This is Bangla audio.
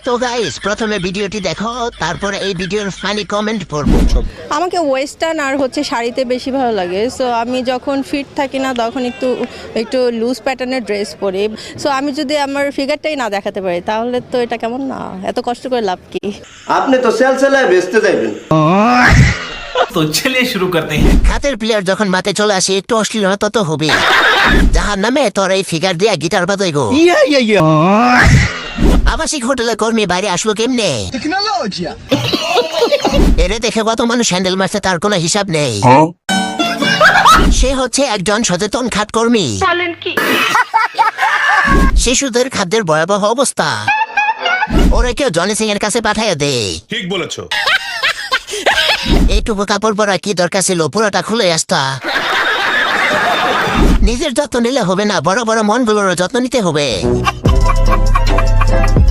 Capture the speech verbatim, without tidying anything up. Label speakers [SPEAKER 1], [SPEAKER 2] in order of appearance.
[SPEAKER 1] তো গাইস প্রথমে ভিডিওটি দেখো, তারপরে এই ভিডিওর ফানি কমেন্ট পড়বো।
[SPEAKER 2] আমাকে ওয়েস্টার্ন আর হচ্ছে শাড়িতে বেশি ভালো লাগে। সো আমি যখন ফিট থাকি না তখন একটু একটু লুজ প্যাটার্নের ড্রেস পরি। সো আমি যদি আমার ফিগারটাই না দেখাতে পারি তাহলে তো এটা কেমন না, এত কষ্ট করে লাভ কি?
[SPEAKER 3] আপনি তো সেল সেলায় বেচতে যাইবেন।
[SPEAKER 4] তো চলিए शुरू करते हैं।
[SPEAKER 1] হাতের প্লেয়ার যখন মাঠে চলে আসে একটু অশ্লীলতা তো হবে। যাহার নামে তোর এই ফিগার দিয়া গিটার বাজাই গো। আবাসিক হোটেলের কর্মী বাইরে আসলো কেমনে? এরে দেখে কত মানুষ হ্যান্ডেল মারছে তার কোনো হিসাব নেই। সে হচ্ছে একজন সচেতন খাত কর্মী। শিশুদের খাদ্যের ভয়াবহ অবস্থা, ওরা কেউ জনি সিং এর কাছে পাঠাইয়া দেয়।
[SPEAKER 5] ঠিক বলেছো।
[SPEAKER 1] এইটুকু কাপড় পরা কি দরকার ছিল, পুরোটা খুলে আসতা। নিজের যত্ন নিলে হবে না, বড় বড় মনগুলোর যত্ন নিতে হবে।